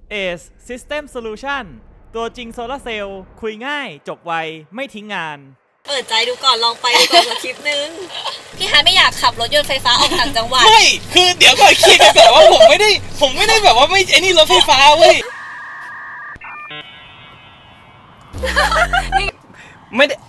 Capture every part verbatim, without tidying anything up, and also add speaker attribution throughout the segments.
Speaker 1: เอส System Solution ตัวจริงโซลาร์เซลล์คุยง่ายจบไวไม่ทิ้งงาน
Speaker 2: เปิดใจดูก่อนลองไปดูก่อนสักคลิปนึงพี่ฮาร์ดไม่อยากขับรถยนต์ไฟฟ้าออกต่างจังหวัด
Speaker 3: ไม่คือเดี๋ยวก่อนคิดแบบว่าผมไม่ได้ผมไม่ได้แบบว่าไม่ไอ้นี่รถไฟฟ้าเว้ยไม่ได้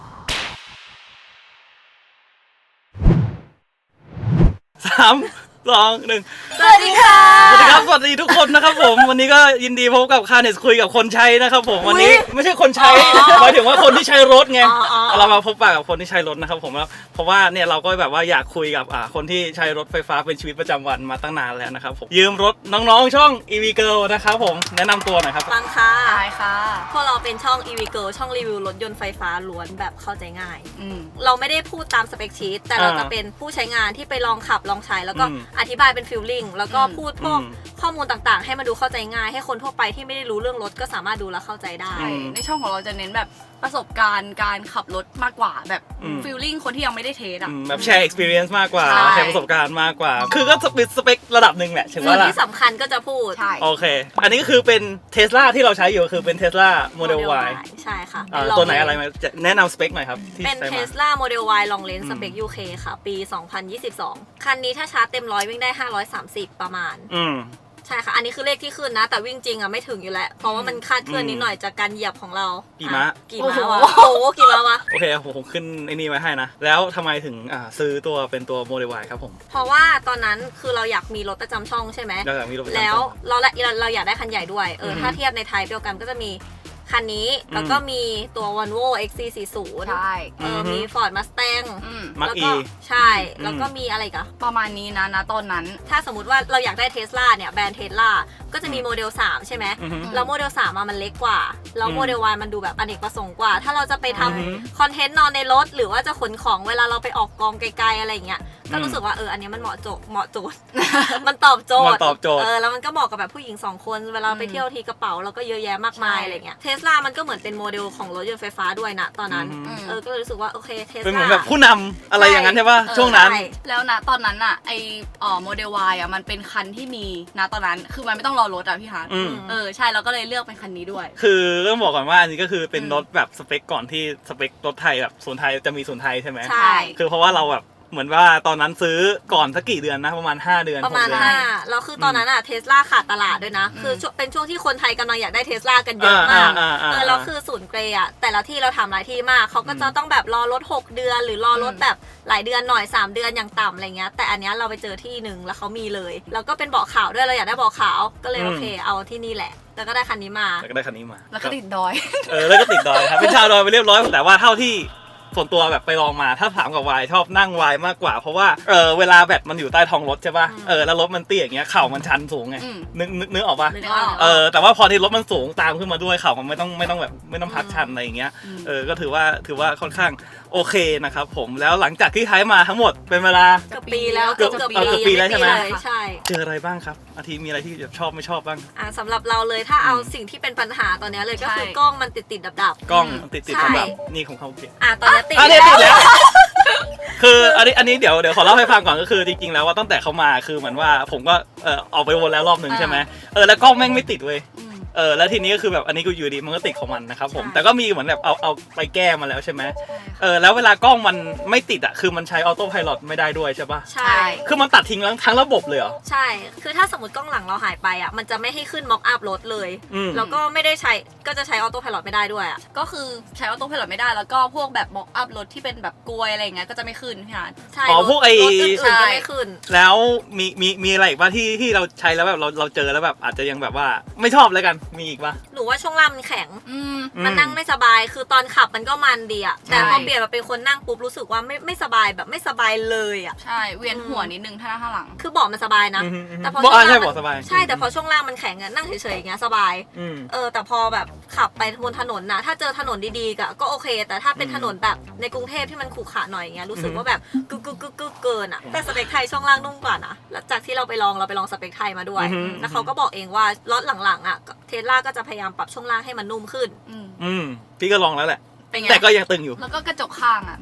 Speaker 3: สามสองหนึ่ง
Speaker 2: สวัสดีค่ะ
Speaker 3: สวัสดีครับสวัสดีทุกคนนะครับผมวันนี้ก็ยินดีพบกับคาเนสคุยกับคนใช้นะครับผมวันนี้ไม่ใช่คนใช้หมายถึงว่าคนที่ใช้รถไงเรามาพบปะกับคนที่ใช้รถนะครับผมแล้วเพราะว่าเนี่ยเราก็แบบว่าอยากคุยกับอ่าคนที่ใช้รถไฟฟ้าเป็นชีวิตประจำวันมาตั้งนานแล้วนะครับผมยืมรถน้องๆช่อง อี วี Girl นะครับผมแนะนำตัวหน่อยครับ
Speaker 2: ฟังค่ะ
Speaker 4: ใช่ค่ะ
Speaker 2: พวกเราเป็นช่อง อี วี Girl ช่องรีวิวรถยนต์ไฟฟ้าล้วนแบบเข้าใจง่ายเราไม่ได้พูดตามสเปคชีทแต่เราจะเป็นผู้ใช้งานที่ไปลองขับลองใช้แล้วก็อธิบายเป็นฟีลลิ่งแล้วก็พูดพวกข้อมูลต่างๆให้มันดูเข้าใจง่ายให้คนทั่วไปที่ไม่ได้รู้เรื่องรถก็สามารถดูและเข้าใจได้
Speaker 4: ในช่องของเราจะเน้นแบบประสบการณ์การขับรถมากกว่าแบบฟีลลิ่งคนที่ยังไม่ได้เทสอ่ะ
Speaker 3: แบบแชร์ experience มากกว่าแชร์ประสบการณ์มากกว่าคือก็เป็นสเปคระดับหนึ่งแหละ
Speaker 2: ส่วนที่สำคัญก็จะพูด
Speaker 4: ใช่
Speaker 3: โอเคอันนี้ก็คือเป็น Tesla ที่เราใช้อยู่คือเป็น Tesla Model Y
Speaker 2: ใช่ค่ะ
Speaker 3: ตัวไหนอะไรมาแนะนำสเปคหน่อยครับ
Speaker 2: เป็น Tesla Model Y Long Range สเปค ยู เค ค่ะปีสองพันยี่สิบสองคันนี้ถ้าชาร์จเต็มร้อยวิ่งได้ห้าร้อยสามสิบประมาณ
Speaker 3: อืม
Speaker 2: ใช่ค่ะอันนี้คือเลขที่ขึ้นนะแต่วิ่งจริงอ่ะไม่ถึงอยู่แล้วเพราะว่ามันคาดเคลื่อนนิดหน่อยจากการเหยียบของเรา
Speaker 3: กี่ม้า
Speaker 2: กี่ม้าวะโอ้โหกี่ม้าวะ
Speaker 3: โอเคผมขึ้นไอ้นี่ไว้ให้นะแล้วทำไมถึงอ่าซื้อตัวเป็นตัว Model Y ครับผม
Speaker 2: เพราะว่าตอนนั้นคือเราอยากมีรถประจำช่องใช่ไหมแล้วเราเราเราอยากได้คันใหญ่ด้วยเออถ้าเทียบในไทยเดียวกันก็จะมีคันนี้แล้วก็มีตัว Volvo เอ็กซ์ ซี สี่สิบ
Speaker 4: ใช่
Speaker 2: เออมี Ford Mustang
Speaker 3: แล้วก็
Speaker 2: ใช่แล้วก็มีอะไรกัน
Speaker 4: ประมาณนี้นะนะตอนนั้น
Speaker 2: ถ้าสมมติว่าเราอยากได้ Tesla เนี่ยแบรนด์ Tesla ก็จะมีโมเดลสามใช่ไหมแล้วโมเดลสามมันเล็กกว่าแล้วโมเดล Y มันดูแบบอเนกประสงค์กว่าถ้าเราจะไปทำคอนเทนต์นอนในรถหรือว่าจะขนของเวลาเราไปออกกองไกลๆอะไรอย่างเงี้ยก็รู้สึกว่าเอออันนี้มันเหมาะโจเหมาะโจทย์มันตอบโจทย์เออแล้วมันก็เหมาะกับแบบผู้หญิงสองคนเวลาไปเที่ยวทีกระเป๋าเราก็เยอะแยะมากมายอะไรเงี้ยเทสลามันก็เหมือนเป็นโมเดลของรถยนต์ไฟฟ้าด้วยนะตอนนั้นเออก็เลยรู้สึกว่าโอเคเทสลา
Speaker 3: เป็นเหมือนแบบผู้นำอะไรอย่างนั้นใช่ป่ะช่วงนั้น
Speaker 4: แล้วนะตอนนั้นอ่ะไออ๋อโมเดล Y อ่ะมันเป็นคันที่มีนะตอนนั้นคือมันไม่ต้องรอรถอ่ะพี่ฮาร์ดเออใช่เราก็เลยเลือกเป็นคันนี้ด้วย
Speaker 3: คือต้องบอกก่อนว่าอันนี้ก็คือเป็นรถแบบสเปคก่อนที่สเปครถไทยแบบศูนย์ไทยจะมีศูนย์ไทยใช่ไหม
Speaker 2: ใช่
Speaker 3: คือเพราะว่าเราแบบเหมือนว่าตอนนั้นซื้อก่อนสักกี่เดือนนะประมาณห้าเดือน
Speaker 2: ประมาณห้าแล้วคือตอนนั้นอะเทสลาขาดตลาดด้วยนะคือเป็นช่วงที่คนไทยกำลังอยากได้เทสลากันเยอะมากเออแล้วคือศูนย์เกรย์อะแต่ละที่เราทำหลายที่มากเขาก็จะต้องแบบรอรถหกเดือนหรือรอรถแบบหลายเดือนหน่อยสามเดือนอย่างต่ำอะไรเงี้ยแต่อันนี้เราไปเจอที่หนึ่งแล้วเขามีเลยแล้วก็เป็นเบาะขาวด้วยเราอยากได้เบาะขาวก็เลยโอเคเอาที่นี่แหละแล้วก็ได้คันนี้มา
Speaker 3: แล้วก็ได้คันนี้มา
Speaker 4: แล้วก็ติดดอย
Speaker 3: เออแล้วก็ติดดอยครับเป็นชาวดอยไปเรียบร้อยแต่ว่าเท่าที่ส่วนตัวแบบไปลองมาถ้าถามกับวายชอบนั่งวายมากกว่าเพราะว่าเออเวลาแบตมันอยู่ใต้ท้องรถใช่ป่ะเออแล้วรถมันเตี้ยอย่างเงี้ยเข่ามันชันสูงไงนึกนึกนึกออกป่ะเออแต่ว่าพอที่รถมันสูงตามขึ้นมาด้วยเข่ามันไม่ต้องไม่ต้องแบบไม่ต้องพักชันอะไรอย่างเงี้ยเออก็ถือว่าถือว่าค่อนข้างโอเคนะครับผมแล้วหลังจากที่ใช้มาทั้งหมดเป็นเวลา
Speaker 2: เกือบปีแล้ว
Speaker 3: เกือบเกือบปีแล้วใช่ไหม
Speaker 2: ใช่
Speaker 3: เจออะไรบ้างครับอาทิมีอะไรที่ชอบไม่ชอบบ้าง
Speaker 2: อ่าสำหรับเราเลยถ้าเอาสิ่งที่เป็นปัญหาตอนนี้เลยก็คือกล้องมันติดติดดับดับ
Speaker 3: กล้องติดติดดับดับนี่ของเขาติด
Speaker 2: อ่าตอนนี้ติด
Speaker 3: แล้วคืออันนี้อันนี้เดี๋ยวเดี๋ยวขอเล่าให้ฟังก่อนก็คือจริงๆแล้วว่าตั้งแต่เขามาคือเหมือนว่าผมก็เออออกไปวนแล้วรอบหนึ่งใช่ไหมเออแล้วกล้องแม่งไม่ติดเว้ยเออแล้วทีนี้ก็คือแบบอันนี้กูอยู่ดีมันก็ติดของมันนะครับผมแต่ก็มีเหมือนแบบเอาเอาไปแก้มาแล้วใช่ไหมเออแล้วเวลากล้องมันไม่ติดอ่ะคือมันใช้ออโต้ไพลอตไม่ได้ด้วยใช่ปะ
Speaker 2: ใช่
Speaker 3: คือมันตัดทิ้งทั้งระบบเลยเหรอ
Speaker 2: ใช่คือถ้าสมมติกล้องหลังเราหายไปอ่ะมันจะไม่ให้ขึ้นม็อกอัพรถเลยแล้วก็ไม่ได้ใช้ก็จะใช้ออโต้ไพลอตไม่ได้ด้วยอ่ะ
Speaker 4: ก็คือใช้ออโต้ไพลอตไม่ได้แล้วก็พวกแบบม็อกอัพรถที่เป็นแบบกลวยอะไรอย่างเงี้ยก็จะไม่ขึ้นพี่ฮาร์ด
Speaker 2: ใช่
Speaker 3: อ๋อพวกไอ้
Speaker 2: รถอื่นๆก็ไม่ขึ้น
Speaker 3: แล้วมีมีมีอะไรอีกป่ะที่ที่เราใช้แล้วแบบเราเราเจอแล้วแบบอาจจะยังแบบว่าไม่ชอบแล้วกันมีอีกป่ะ
Speaker 2: หนูว่าช่วงล่างมันแข็งมันนั่งไม่สบายคือตอนขับมันก็มันดีอะแต่พอเปลี่ยนมาเป็นคนนั่งปุ๊บรู้สึกว่าไม่ไม่สบายแบบไม่สบายเลยอะ
Speaker 4: ใช่เวียนหัวนิดนึงถ้านั่งข้างหลัง
Speaker 2: คือเบาะมันสบายนะแต่พอ
Speaker 3: ช่วงล่างมัน
Speaker 2: ใช่แต่พอช่วงล่างมันแข็งอะนั่งเฉยๆอย่างเงี้ยสบายเออแต่พอแบบขับไปบนถนนนะถ้าเจอถนนดีๆก็โอเคแต่ถ้าเป็นถนนแบบในกรุงเทพที่มันขรุขระหน่อยอย่างเงี้ยรู้สึกว่าแบบกึกกึกกึกกึกเกินอะแต่สเปคไทยช่วงล่างนุ่มกว่านะแล้วจากที่เราไปลองเราไปลองสเปคไทยมาด้วยแล้วเขาก็บอกเองว่ารถหลังๆอะเทสลาก็จะพยายามปรับช่วงล่างให้มันนุ่มขึ้น
Speaker 3: อืมพี่ก็ลองแล้วแหละแต่ก็ยังตึงอยู่
Speaker 4: แล้วก็กระจกข้างอ่ะมันมัน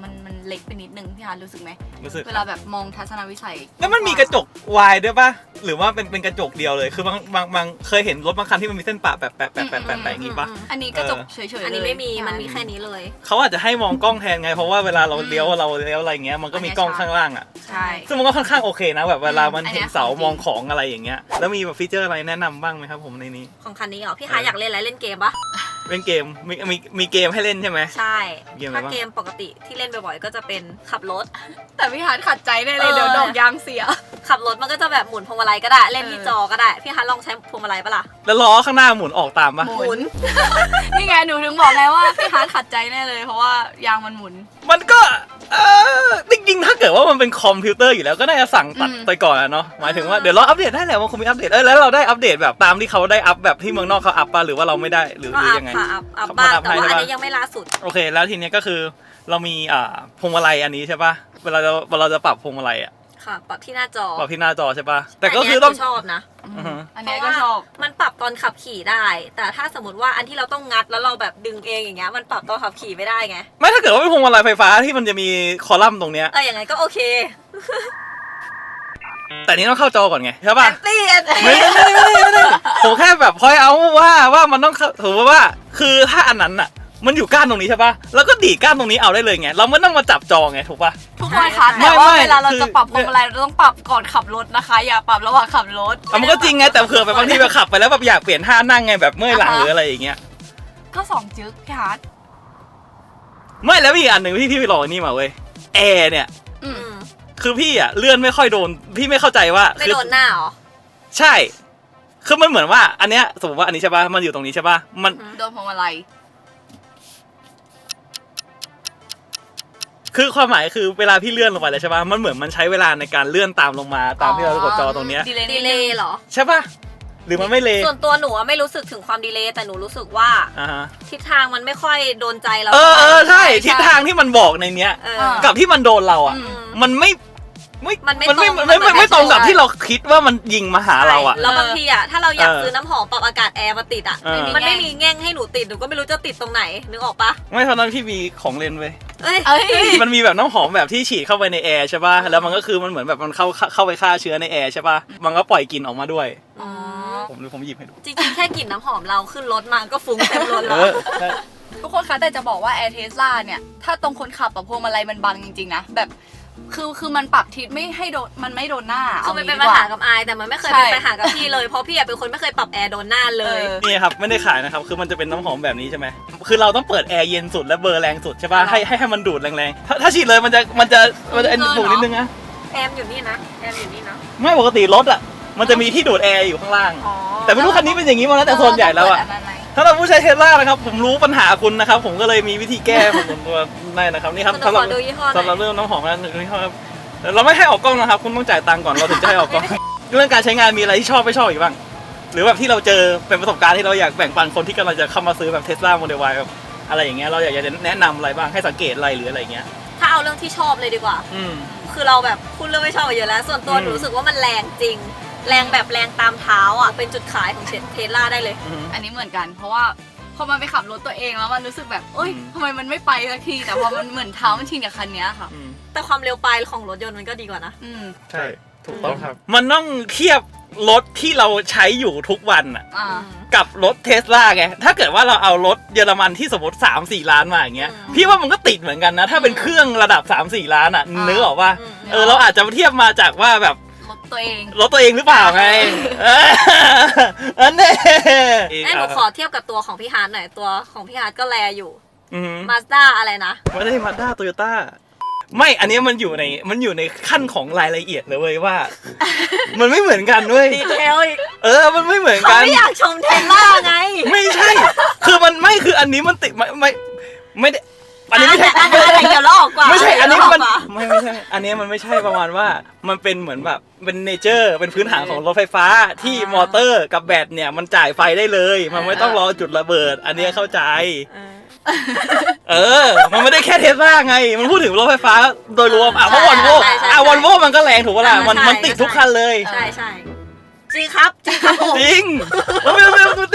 Speaker 4: เล็กไปนิดนึงพี่ฮาร์ดรู้สึกไหม
Speaker 3: รู้สึก
Speaker 4: เวลาแบบมองทัศนวิสัย
Speaker 3: แล้วมันมีกระจกวายด้วยป่ะหรือว่าเป็นเป็นกระจกเดียวเลยคือบางบางบางเคยเห็นรถบางคันที่มันมีเส้นปะแปะแปะแปะแปะแปะแปะอย่างงี้ป่ะ
Speaker 4: อันนี้กระจกเฉยๆเลย
Speaker 2: อันนี้ไม่มีมันมีแค่นี้เลย
Speaker 3: เขาอาจจะให้มองกล้องแทนไงเพราะว่าเวลาเราเลี้ยวเราเลี้ยวอะไรเงี้ยมันก็มีกล้องข้างล่างอ่ะ
Speaker 4: ใช่
Speaker 3: ซึ่งมันก็ค่อนข้างโอเคนะแบบเวลามัน
Speaker 4: อันเนี้
Speaker 3: เห็
Speaker 4: ย
Speaker 3: นเสา
Speaker 4: ของจริง
Speaker 3: มองของอะไรอย่างเงี้ยแล้วมีแบบฟีเจอร์อะไรแนะนำบ้างไหมครับผมในนี้
Speaker 2: ของคันนี้เหรอพี่ฮาร์ดอยากเล่นอะไรเล่นเกมปะ
Speaker 3: เล่นเกมมีมีมีเกมให้เล่นใช่ไหม
Speaker 2: ใช่
Speaker 3: เกมอะไร
Speaker 2: ถ้า
Speaker 3: บ้าง
Speaker 2: เกมปกติที่เล่นบ่อยๆก็จะเป็นขับรถ
Speaker 4: แต่พี่ฮาร์ดขัดใจแน่เลย
Speaker 2: เออ
Speaker 4: เดี๋ยวดอกยางเสีย
Speaker 2: ขับรถมันก็จะแบบหมุนพวงมาลัยก็ได้เล่นที่
Speaker 4: เออ
Speaker 2: จอก็ได้พี่ฮาร์ดลองใช้พวงมาลัยปะล่ะ
Speaker 3: แล้วล้อข้างหน้าหมุนออกตามปะ
Speaker 4: หมุน นี่ไงหนูถึงบอกไงว่าพี่ฮาร์ดขัดใจแน่เลยเพราะว่ายางมันหมุน
Speaker 3: มันก็เออจริงๆถ้าเกิดว่ามันเป็นคอมพิวเตอร์อยู่แล้วก็น่าจะสั่งตัด
Speaker 4: อืม
Speaker 3: ไปก่อนอะเนาะหมายถึงว่าเดี๋ยวเราอัปเดตได้แหละมันคงมีอัปเดตเออแล้วเราได้อัปเดตแบบตามที่เขาได้อัปแบบที่เมืองนอกเขาอัปปะหรือว่าเราไม่ได้หรือ
Speaker 2: ก็
Speaker 3: หรือ
Speaker 2: อัพ
Speaker 3: ยังไง
Speaker 2: ค่ะอัพอัพ
Speaker 3: เขา
Speaker 2: บ้าง
Speaker 3: อัพ
Speaker 2: แต่ว่า
Speaker 3: ให้
Speaker 2: อัน
Speaker 3: ใช่ปะ
Speaker 2: นี้ยังไม่ล่าสุด
Speaker 3: โอเคแล้วทีเนี้ยก็คือเรามีอ่าพวงมาลัยอันนี้ใช่ปะเวลาเราเวลาเราจะปรับพวงมาลัยอะ
Speaker 2: ค่ะปรับที่หน้าจอ
Speaker 3: ปรับที่หน้าจอใช่ปะแต่ก็คือต้อง
Speaker 2: นเนี้ยชอบนะ
Speaker 3: อือฮึ
Speaker 4: อันเนี้ยก็ชอบ
Speaker 2: มันปรับตอนขับขี่ได้ แต่ถ้าสมมติว่าอันที่เราต้องงัดแล้วเราแบบดึงเองอย่างเงี้ยมันปรับตอนขับขี่ไม่ได้ไง
Speaker 3: ไม่ถ้าเกิดว่าเป็นพวงมาลัยไฟฟ้าที่มันจะมีคอลัมน์ตรงเนี้ย
Speaker 2: เอออย่างไงก็โอเค
Speaker 3: แต่นี้ต้องเข้าจอก่อนไงใช่
Speaker 2: แอ
Speaker 3: ปะ
Speaker 2: นตี้แอนตี้
Speaker 3: ไม่ได้ไม่ได้ไม่ได้ผมแค่แบบพอยเอาว่าว่ามันต้องเข้าถือว่าคือถ้าอันนั้นอ่ะมันอยู่ก้านตรงนี้ใช่ปะแล้วก็ดีดก้านตรงนี้เอาได้เลยไงเราไม่ต้องมาจับจอไงถูกปะ
Speaker 4: ทุกคนคะ
Speaker 3: ไม่
Speaker 4: แต่ว่า
Speaker 3: ไม่
Speaker 4: เวลาเรา
Speaker 3: คือ
Speaker 4: จะปรับพวงมาลัยเราต้องปรับก่อนขับรถนะคะ อย่าปรับระหว่างขับรถ
Speaker 3: อ่ะมันก็จริงไงแต่เผื่อแบบบางทีแบบขับไปแล้วแบบอยากเปลี่ยนท่านั่งไงแบบเมื่อยหลังหรืออะไรอย่างเงี้ย
Speaker 4: ก็สองจึ๊กพี่ฮาร์ด
Speaker 3: ไม่แล้วมีอีกอันหนึ่งที่พี่ไปลองอันนี่มาเว้ยแอร์เนี่ย
Speaker 4: อื
Speaker 2: อื
Speaker 4: ม
Speaker 2: ม
Speaker 3: คือพี่อ่ะเลื่อนไม่ค่อยโดนพี่ไม่เข้าใจว่า
Speaker 2: ไม่
Speaker 3: คือ
Speaker 2: โดนหน้าเหรอ
Speaker 3: ใช่คือมันเหมือนว่าอันเนี้ยสมมติว่าอันนี้ใช่ปะมันอยู่ตรงนี้ใช่ปะมัน
Speaker 4: โดนพวงมาลัย
Speaker 3: คือความหมายคือเวลาพี่เลื่อนลงไปแล้วใช่ปะมันเหมือนมันใช้เวลาในการเลื่อนตามลงมาตามที่เรากดจอตรงเนี้ย
Speaker 4: ดีเลย
Speaker 2: ดีเลย์เหรอ
Speaker 3: ใช่ปะหรือมันไม่เล
Speaker 2: ส่วนตัวหนูอะไม่รู้สึกถึงความดีเลย์แต่หนูรู้สึกว่า
Speaker 3: อ่าฮะ
Speaker 2: ทิศทางมันไม่ค่อยโดนใจเรา
Speaker 3: เออเออใช่
Speaker 4: ใช่
Speaker 3: ทิศทางที่มันบอกในเนี้ย
Speaker 2: เออ
Speaker 3: กับที่มันโดนเราอ่ะ
Speaker 4: อืม
Speaker 3: มันไม่ไม่
Speaker 2: มันไม่
Speaker 3: มันไม่
Speaker 2: ตรง
Speaker 3: ไม่ไม่
Speaker 2: มัน
Speaker 3: ไม่ตรงกับ
Speaker 2: ไม่
Speaker 3: ที่เราคิดว่ามันยิงมาหาเราอ่ะ
Speaker 2: ใช่แล้วบางทีอ่ะถ้าเราอยาก
Speaker 3: เออ
Speaker 2: ซื้อน้ำหอมปรับอากาศแอร์มาติดอ่ะ
Speaker 3: เออ
Speaker 2: มันไม่มีแง่งให้หนูติดหนูก็ไม่รู้จะติดตรงไหนนึกออกปะ
Speaker 3: ไม่เท่านั้นพี่มีของเล่นเว้ย
Speaker 2: เอ้ย
Speaker 4: เอ้ย
Speaker 3: มันมีแบบน้ำหอมแบบที่ฉีดเข้าไปในแอร์ใช่ป่ะแล้วมันก็คือมันเหมือนแบบมันเข้าเข้าไปฆ่าเชื้อในแอร์ใช่ป่ะมันก็ปล่อยกลิ่นออกมาด้วย
Speaker 2: อ๋อ
Speaker 3: ผมผมหยิบให้ดู
Speaker 2: จริงๆแค่กลิ่นน้ำหอมเราขึ้นรถมาก็ฟุ้งเต็มรถ
Speaker 3: เอ
Speaker 2: แล้ว
Speaker 3: อใช่
Speaker 4: ทุกคนคะแต่จะบอกว่า Air Tesla เนี่ย ถ้าตรงคนขับกับพวงมาลัยมันบังจริงๆนะ แบบคือคือมันปรับทิศไม่ให้โดนมันไม่โดนหน้า
Speaker 2: คือมันเป็น
Speaker 4: ดี
Speaker 2: ปัญ
Speaker 4: กว่
Speaker 2: หากับอายแต่มันไม่เคย
Speaker 4: ใช่
Speaker 2: เป็นปัญหากับพี่เลยเพราะพี่อะเป็นคนไม่เคยปรับแอร์โดนหน้าเลย
Speaker 4: เออ
Speaker 3: นี่ครับไม่ได้ขายนะครับคือมันจะเป็นน้ำหอมแบบนี้ใช่ไหมคือเราต้องเปิดแอร์เย็นสุดและเบอร์แรงสุดใช่ป่ะ
Speaker 4: อ๋อ
Speaker 3: ให้ให้ให้มันดูดแรงๆถ้าถ้าฉีดเลยมันจะมันจะมันจะ
Speaker 4: เกินเหรอ
Speaker 3: ผูกนิดนึงนะ
Speaker 2: แอมอยู่นี่นะแอมอยู่นี่นะ
Speaker 3: ไม่ปกติรถอ่ะมันจะมีที่ดูดแอร์อยู่ข้างล่าง
Speaker 2: อ๋อ
Speaker 3: แต่ไม่รู้คันนี้เป็นอย่างนี้มาแล้วแต่โซนใหญ่แล้วอ่ะ
Speaker 4: เปิดนนั้นไหม
Speaker 3: ถ้าเราผู้ใช้เทสลานะครับผมรู้ปัญหาคุณนะครับผมก็เลยมีวิธีแก้ของผมตัวได้นะครับนี่ครับ
Speaker 2: คุณ
Speaker 3: สำห
Speaker 2: ข
Speaker 3: รับ
Speaker 2: อดูยี่ห้อห
Speaker 3: สำห
Speaker 2: น่
Speaker 3: รับ
Speaker 2: อย
Speaker 3: เรื่องน้ำหอมนะหนึ่งยี่ห้อครับเราไม่ให้ออกกล้องนะครับคุณต้องจ่ายตังค์ก่อนเราถึงจะให้ออกกล้อง เรื่องการใช้งานมีอะไรที่ชอบไม่ชอบอีกบ้างหรือแบบที่เราเจอเป็นประสบการณ์ที่เราอยากแบ่งปันคนที่กำลังจะเข้ามาซื้อแบบเทสลาโมเดล Y แบบอะไรอย่างเงี้ยเราอยากจะแนะนำอะไรบ้างให้สังเกตอะไรหรืออะไรเงี้ย
Speaker 2: ถ้าเอาเรื่องที่ชอบเลยดีกว่า
Speaker 3: อืม
Speaker 2: คือเราแบบพูดเรื่องไม่ชอบไปเยอะแล้ว ส่วนตัว
Speaker 3: อืม
Speaker 2: หนูรู้สึกว่ามันแรงจริง แรงแบบแรงตามเท้าอ่ะเป็นจุดขายของเทสลาได้เลย
Speaker 3: อืม
Speaker 4: อันนี้เหมือนกัน เพราะว่าพอมันไปขับรถตัวเองแล้วมันรู้สึกแบบเอ้ย
Speaker 3: อืม
Speaker 4: ทำไมมันไม่ไปสักทีแต่พอมันเหมือนเท้ามันชินกับคันเนี้ยค่ะ
Speaker 3: อืม
Speaker 2: แต่ความเร็วปลายของรถยนต์มันก็ดีกว่านะ
Speaker 4: อืม
Speaker 3: ใช่ถูกต้องครับ มันต้องเทียบรถที่เราใช้อยู่ทุกวันอะ
Speaker 4: อ่า
Speaker 3: กับรถเทสลาไงถ้าเกิดว่าเราเอารถเยอรมันที่สมมติสามสี่ล้านมาอย่างเงี้ย
Speaker 2: อืม
Speaker 3: พี่ว่ามันก็ติดเหมือนกันนะ ถ้าเป็นเครื่องระดับสามสี่ล้านอ่ะ
Speaker 4: อ่า
Speaker 3: นึกออกว่า
Speaker 2: อืม
Speaker 3: เออเราอาจจะเทียบมาจากว่าแบบ
Speaker 4: รถตัวเอง
Speaker 3: รถตัวเองหรือเปล่าไงเอออันนี้
Speaker 2: เอ้ยหนูขอเทียบกับตัวของพี่ฮาร์ดหน่อยตัวของพี่ฮาร์ดก็แลอยู่
Speaker 3: อืม
Speaker 2: มาสด้าอะไรนะ
Speaker 3: ไม่ได้มาด้าโตโยต้าไม่อันนี้มันอยู่ในมันอยู่ในขั้นของรายละเอียดเลยเว้ยว่า มันไม่เหมือนกันเว้ย
Speaker 2: ดีเทลอีก
Speaker 3: เออมันไม่เหมือน
Speaker 2: เขา
Speaker 3: กัน
Speaker 2: ไม่อยากชมเทสลาไง
Speaker 3: ไม่ใช่ คือมันไม่คืออันนี้มันติดไม่ไม่ไม่ได้อันนี้ไม่ใช่
Speaker 2: อันนี้อันนี้เดี๋ยวเราออกกว่า
Speaker 3: ไม่ใช่ อันนี้มัน
Speaker 2: เดี๋ยวเราออกกว่า
Speaker 3: ไม่ไม่ใช่ อันนี้มันไม่ใช่ประมาณว่ามันเป็นเหมือนแบบเป็นเนเจอร์เป็นพื้นฐานของรถไฟฟ้าที่มอเตอร์กับแบตเนี่ยมันจ่ายไฟได้เลย มันไม่ต้องรอจุดระเบิด อันนี้เข้าใจ
Speaker 2: เออ
Speaker 3: เออ มันไม่ได้แค่เทสลาไง มันพูดถึงรถไฟฟ้าโดยรวมอ่ะเพราะวอลโว
Speaker 2: ใช่ใช่
Speaker 3: อ่ะวอลโวมันก็แรงถูกปะล่ะมัน
Speaker 2: ใช่
Speaker 3: มันติดทุกคันเลย
Speaker 2: ใช่ใช่จริงครับจริงครับผม
Speaker 3: จริงมันมันมันมันติดทุกคันเลย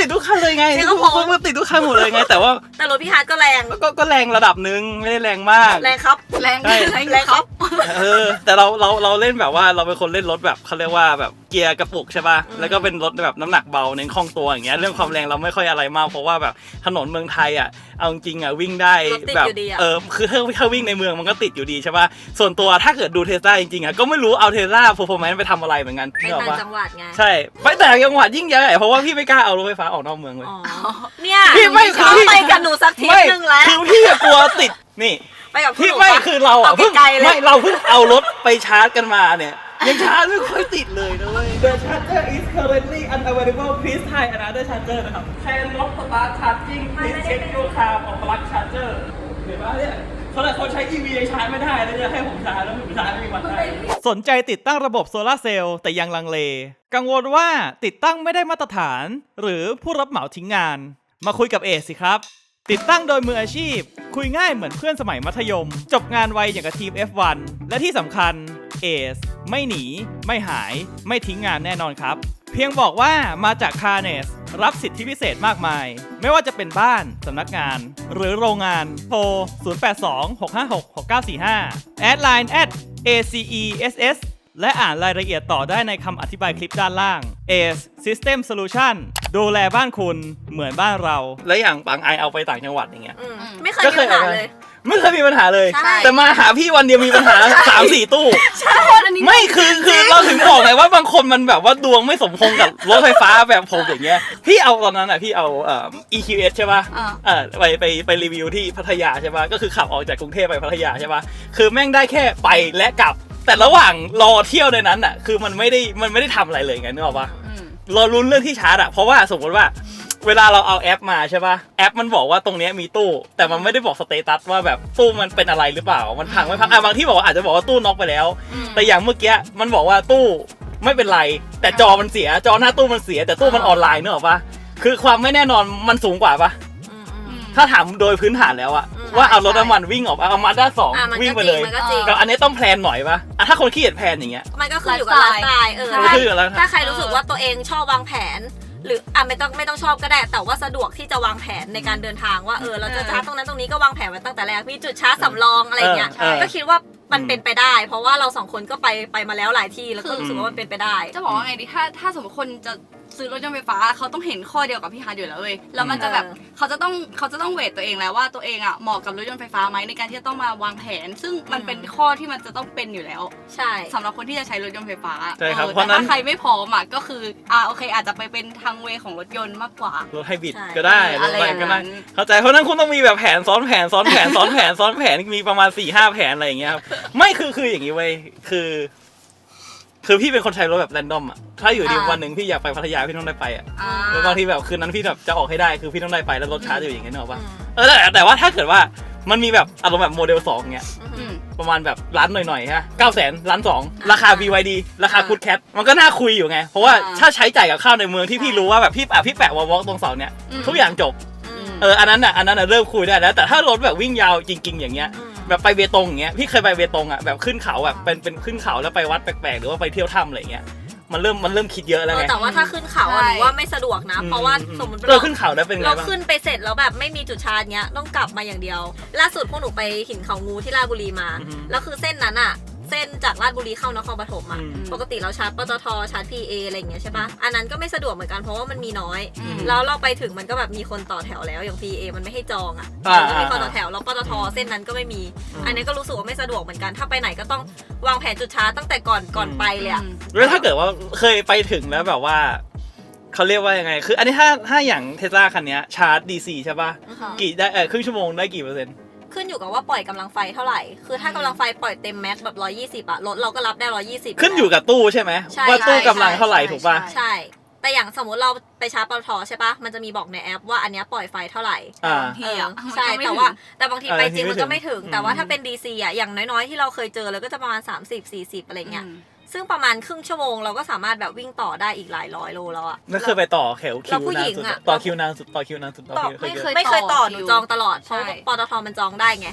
Speaker 3: เลยไง
Speaker 2: เสียงกระโปรง
Speaker 3: มันติดทุกคันหมดเลยไงแต่ว่า
Speaker 2: แต่รถพี่ฮาร์ดก็แรง
Speaker 3: ก็ก็แรงระดับนึงไม่ได้แรงมาก
Speaker 2: แรงครับ
Speaker 4: แรง
Speaker 3: ใช่
Speaker 4: แรง
Speaker 2: แรงครับ
Speaker 3: เออแต่เราเราเราเล่นแบบว่าเราเป็นคนเล่นรถแบบเขาเรียกว่าแบบเกียร์กระปุกใช่ป่ะแล้วก็เป็นรถแบบน้ำหนักเบาเน้นคล่องตัวอย่างเงี้ยเรื่องความแรงเราไม่ค่อยอะไรมากเพราะว่าแบบถนนเมืองไทยอ่ะเอาจริงอ่ะวิ่งได้
Speaker 2: รถติด
Speaker 3: แบบ
Speaker 2: อยู่ดีอะ
Speaker 3: เออคือถ้าถ้าวิ่งในเมืองมันก็ติดอยู่ดีใช่ป่ะส่วนตัวถ้าเกิดดูเทสลาจริงๆอ่ะก็ไม่รู้เอาเทสลาเพอร์ฟอร์แมนซ์ไปทำอะไรเหมือนกัน
Speaker 2: ไป
Speaker 3: นึกออก
Speaker 2: ต่าง
Speaker 3: ปะ
Speaker 2: จังหวัดไง
Speaker 3: ใช่ไปแต่างจังหวัดยิ่งใหญ่เพราะว่าพี่ไม่กล้าเอารถไฟฟ้าออกนอกเมืองเลย
Speaker 2: อ๋อเนี่ย
Speaker 3: พี่ไม่คือ
Speaker 2: เขา
Speaker 3: พี่
Speaker 2: ไปกับหนูสักทริป
Speaker 3: ไม่
Speaker 2: หนึงแล้ว
Speaker 3: คือพี่อะกลัวติดนี่
Speaker 2: ไปกับ
Speaker 3: พี่
Speaker 2: หนู
Speaker 3: ไม่
Speaker 2: ปะ
Speaker 3: คือเราอ่ะ
Speaker 2: เอา
Speaker 3: เพิ่ง
Speaker 2: ไกลๆเลย
Speaker 3: ไม่เราเพิ่งเอารถไปชาร์จกันมาเนี่ยยังชาร์จไม่ค่อยติดเลยนะเว้ย The charger is currently unavailable please try another charger นะครับ Can not start charging please check your car for plug charger เห็นปะเนี่ยเขาแต่เขาใช้ อี วี ยังชาร์จไม่ได้แล้วจะให้ผมชาร์จแล้วผมชาร์จไม่มีวันได้
Speaker 1: สนใจติดตั้งระบบโซลาร์เซลล์แต่ยังลังเล กังวลว่าติดตั้งไม่ได้มาตรฐาน หรือผู้รับเหมาทิ้งงาน มาคุยกับเอสสิครับ ติดตั้งโดยมืออาชีพ คุยง่ายเหมือนเพื่อนสมัยมัธยม จบงานไวอย่างกับทีม เอฟ วัน และที่สำคัญเอสไม่หนี ไม่หาย ไม่ทิ้งงานแน่นอนครับ เพียงบอกว่ามาจากคาร์เนสรับสิทธิพิเศษมากมาย ไม่ว่าจะเป็นบ้านสำนักงาน หรือโรงงานโทร ศูนย์ แปด สอง หก ห้า หก หก เก้า สี่ ห้า แอดไลน์ แอท เอ ซี อี เอส เอส และอ่านรายละเอียดต่อได้ในคำอธิบายคลิปด้านล่าง เอ System Solution ดูแลบ้านคุณเหมือนบ้านเรา
Speaker 3: แล้วอย่างปังไอเอาไปต่างจังหวัดอย่างเงี้ย
Speaker 2: อืมไม่เคยมีปัญหาเลย
Speaker 3: ไม่เคยมีปัญหาเลย
Speaker 2: ใช่
Speaker 3: แต่มาหาพี่วันเดียวมีปัญหา สามสี่ตู้
Speaker 4: อันนี้
Speaker 3: ไม่คือคือเราถึงบอกไงว่าบางคนมันแบบว่าดวงไม่สมพงษ์กับรถไฟฟ้าแบบผมอย่างเงี้ยพี่เอาตอนนั้นอ่ะพี่เอาเอ่อ อี คิว เอส ใช่ป่ะ
Speaker 4: อ่า
Speaker 3: เออไปไปไปรีวิวที่พัทยาใช่ป่ะก็คือขับออกจากกรุงเทพไปพัทยาใช่ป่ะคือแม่งได้แค่ไปและกลับ แต่ระหว่างรอเที่ยวในนั้นอ่ะคือมันไม่ได้มันไม่ได้ทำอะไรเลยไงนึกออกป่ะ
Speaker 4: อืม
Speaker 3: เราลุ้นเรื่องที่ชาร์จอ่ะเพราะว่าสมมติว่าเวลาเราเอาแอปมาใช่ป่ะแอปมันบอกว่าตรงเนี้ยมีตู้แต่มันไม่ได้บอกสเตตัสว่าแบบตู้มันเป็นอะไรหรือเปล่ามันพังไม่พังอ่ะบางที่บอกว่าอาจจะบอกว่าตู้น็อกไปแล้ว แต่อย่างเมื่อกี้มันบอกว่าตู้ไม่เป็นไรแต่จอมันเสียจอหน้าตู้มันเสียแต่ตู้มันออนไลน์เนอะปะคือความไม่แน่นอนมันสูงกว่าปะ
Speaker 2: อืมอืม
Speaker 3: ถ้าถามโดยพื้นฐานแล้วอะ
Speaker 2: อืม
Speaker 3: ว่าเอารถน้ำมันวิ่งออกเอามาด้าสอง
Speaker 2: อ่ะมัน
Speaker 3: วิ่ง
Speaker 2: ก็
Speaker 3: ไป
Speaker 2: จ
Speaker 3: เล
Speaker 2: ริง
Speaker 3: ย
Speaker 2: มันก็จริง
Speaker 3: ก็อันนี้ต้องแพลนหน่อยปะอ่ะถ้าคนขี้เกียจแพลนอย่างเงี้ย
Speaker 2: มันก็ขึ้นอยู่กับไลฟ์สไตล์เออ
Speaker 3: มันก็ขึ้นอยู่กับไลฟ์สไตล์
Speaker 2: ถ้าใครรู้สึกว่าตัวเองชอบวางแผน หรืออ่ะไม่ต้องไม่ต้องชอบก็ได้ แต่ว่าสะดวกที่จะวางแผนในการเดินทางว่าเออเราจะชาร์จตรงนั้นตรงนี้ก็วางแผนไว้ตั้งแต่แรกมีจุดชาร์จสำรองอะไรเงี้ย
Speaker 3: เออเออ
Speaker 2: ก็คิดว่ามันเป็นไปได้ เพราะว่าเราสองคนก็ไปไปมาแล้วหลายที่แล้วก็รู้สึกว่ามันเป็นไปได้
Speaker 4: จะบอกว่าไงดีถ้าถ้าสมมติคนจะซื้อรถยนต์ไฟฟ้าเขาต้องเห็นข้อเดียวกับพี่ฮาร์ดอยู่แล้วเว้ยแล้วมันจะแบบ
Speaker 2: เออ
Speaker 4: เขาจะต้องเขาจะต้องเวทตัวเองแล้วว่าตัวเองอ่ะเหมาะกับรถยนต์ไฟฟ้าไหมในการที่จะต้องมาวางแผน ซึ่งมันเป็นข้อที่มันจะต้องเป็นอยู่แล้ว
Speaker 2: ใช่
Speaker 4: สำหรับคนที่จะใช้รถยนต์ไฟฟ้า
Speaker 3: ใช่ครับ
Speaker 4: ออ
Speaker 3: เพราะ
Speaker 4: แต่
Speaker 3: นั้น
Speaker 4: ถ้าใครไม่พร้อมอ่ะก็คืออ่าโอเค อาจจะไปเป็นทางเวของรถยนต์มากกว่า
Speaker 3: รถไฮบริด
Speaker 2: ใช่
Speaker 3: ก็ได้ร
Speaker 4: อะ
Speaker 3: ถ
Speaker 4: ไร
Speaker 3: อะไร
Speaker 4: อย่าง
Speaker 3: ก็ได้
Speaker 4: นั้น
Speaker 3: เข้าใจเพราะนั้นคุณต้องมีแบบแผนซ้อนแผนซ้อนแผนซ้อนแผนซ้อนแผนมีประมาณสี่ห้าแผนอะไรอย่างเงี้ยครับไม่คือคืออย่างนี้เว้ยคือ คือพี่เป็นคนใช้รถแบบแรนดอมอ่ะถ้าอยู่ดี
Speaker 4: อ่า
Speaker 3: วันหนึ่งพี่อยากไปพัทยาพี่ต้องได้ไปอ่ะ
Speaker 4: อ่า
Speaker 3: แล้วบางทีแบบคืนนั้นพี่แบบจะออกให้ได้คือพี่ต้องได้ไปแล้วรถชาร์จอยู่อย่างเงี้ยนึกออกปะ
Speaker 2: อืม
Speaker 3: เออแต่แต่ว่าถ้าเกิดว่ามันมีแบบอารมณ์แบบโมเดลสองเงี้ย
Speaker 4: อืม
Speaker 3: ประมาณแบบล้านหน่อยๆฮะเก้าแสนล้านสองราคา บี วาย ดี ราคา
Speaker 4: อ่า
Speaker 3: คูดแคทมันก็น่าคุยอยู่ไง เพราะว่า
Speaker 4: อ่า
Speaker 3: ถ้าใช้จ่ายกับข้าวในเมืองที่พี่
Speaker 4: ใช่
Speaker 3: รู้ว่าแบบพี่แปะพี่แปะวอลวอล์กตรงเสาเนี่ย
Speaker 4: อืม
Speaker 3: ทุกอย่างจบ
Speaker 2: อืม
Speaker 3: เอออันนั้นอ่ะอันนั้นอ่ะเริ่มคุยได้แล้วแต่ถ้ารถแบบวิ่งยาวจริง ๆ อย่างเงี้ย
Speaker 2: อืม
Speaker 3: แบบไปเบตงอย่างเงี้ยพี่เคยไปเบตงอ่ะแบบขึ้นเขาแบบเป็นเป็นขึ้นเขาแล้วไปวัดแปลกๆหรือว่าไปเที่ยวถ้ำอะไรเงี้ยมันเริ่มมันเริ่มคิดเยอะแล้ว
Speaker 2: เออ
Speaker 3: ไง
Speaker 2: แต่ว่าถ้าขึ้นเขาอะ
Speaker 4: ใช่
Speaker 2: หนูว่าไม่สะดวกนะ เพราะว่า
Speaker 3: อื
Speaker 2: สมมติ
Speaker 3: เออขึ้นเขาได้เป็นไง
Speaker 2: เรา
Speaker 3: บ้าง
Speaker 2: ขึ้นไปเสร็จแล้วแบบไม่มีจุดชาร์จเงี้ยต้องกลับมาอย่างเดียว ล่าสุดพวกหนูไปหินเขางูที่ราชบุรีมา
Speaker 3: อือฮึ
Speaker 2: แล้วคือเส้นนั้นอะเส้นจากราชบุรีเข้านครปฐมอะ
Speaker 3: อืม
Speaker 2: ปกติเราชาร์จปตทชาร์จ พี เอ อะไรอย่างเงี้ยใช่ปะอันนั้นก็ไม่สะดวกเหมือนกันเพราะว่ามันมีน้อย
Speaker 4: อืม
Speaker 2: แล้วเราไปถึงมันก็แบบมีคนต่อแถวแล้วอย่าง พี เอ มันไม่ให้จองอะ
Speaker 3: อ่า
Speaker 2: มันก็มีคนต่อแถวแล้วปตทเส้นนั้นก็ไม่มี อันนี้ก็รู้สึกว่าไม่สะดวกเหมือนกันถ้าไปไหนก็ต้องวางแผนจุดชาร์จตั้งแต่ก่อนก่อนไปเลยอะ
Speaker 3: แล้วถ้าเกิดว่าเคยไปถึงแล้วแบบว่าเขาเรียกว่ายังไง คืออันนี้ถ้าถ้าอย่างเทสลาคันเนี้ยชาร์จ ดี ซี ใช่ป่ะ
Speaker 2: อือฮึ
Speaker 3: กี่ได้เออครึ่งชั่วโมงได้กี่เปอร์เซ็นต์
Speaker 2: ขึ้นอยู่กับว่าปล่อยกำลังไฟเท่าไหร่ คือถ้ากำลังไฟปล่อยเต็มแม็กซ์แบบหนึ่งร้อยยี่สิบอะรถเราก็รับได้หนึ่งร้อยยี่สิบ
Speaker 3: ขึ้นอยู่กับตู้ใช่ไหม
Speaker 2: ใช่
Speaker 3: ว่าตู้
Speaker 2: ใช่
Speaker 3: กำลังเท่าไหร่
Speaker 4: ใช่
Speaker 3: ถูกป่ะ
Speaker 4: ใช่
Speaker 2: ใช่ แต่อย่างสมมุติเราไปชาร์จปตทใช่ปะมันจะมีบอกในแอปว่าอันเนี้ยปล่อยไฟเท่าไหร่
Speaker 3: อ่า
Speaker 4: บางทีอ่ะ
Speaker 2: เออใช่
Speaker 4: มันก็ไม่
Speaker 2: แต่ว่า
Speaker 4: ถึง
Speaker 2: แต่บางที
Speaker 3: เออ
Speaker 2: ไปจริง
Speaker 3: ไม่
Speaker 2: มันก็ไม่ถึง
Speaker 3: ถึง
Speaker 2: แต่ว่า
Speaker 3: อืม
Speaker 2: ถ้าเป็น ดี ซี อะอย่างน้อยๆที่เราเคยเจอเลยก็จะประมาณ สามสิบ สี่สิบ อะไรเงี้ย
Speaker 4: อืม
Speaker 2: ซึ่งประมาณครึ่งชั่วโมงเราก็สามารถแบบวิ่งต่อได้อีกหลายร้อยโลแล้วอะ
Speaker 3: นั่นเคยไปต่อแถวคิ
Speaker 2: แล้ว
Speaker 3: ว
Speaker 2: ผู้
Speaker 3: นา
Speaker 2: หญิ
Speaker 3: น
Speaker 2: ง
Speaker 3: สุด
Speaker 2: อะ
Speaker 3: ต่อคิวนานสุดต่อคิวนานสุดต่อ
Speaker 2: ต่อ
Speaker 3: คิว
Speaker 2: ไม่
Speaker 3: เค
Speaker 2: เค
Speaker 3: ย
Speaker 2: ยไม่เคยต่อหนู
Speaker 4: คิว
Speaker 2: จองตลอดเพ
Speaker 4: ใช่
Speaker 2: ราะปตทมันจองได้ไง
Speaker 3: อืม
Speaker 2: เอ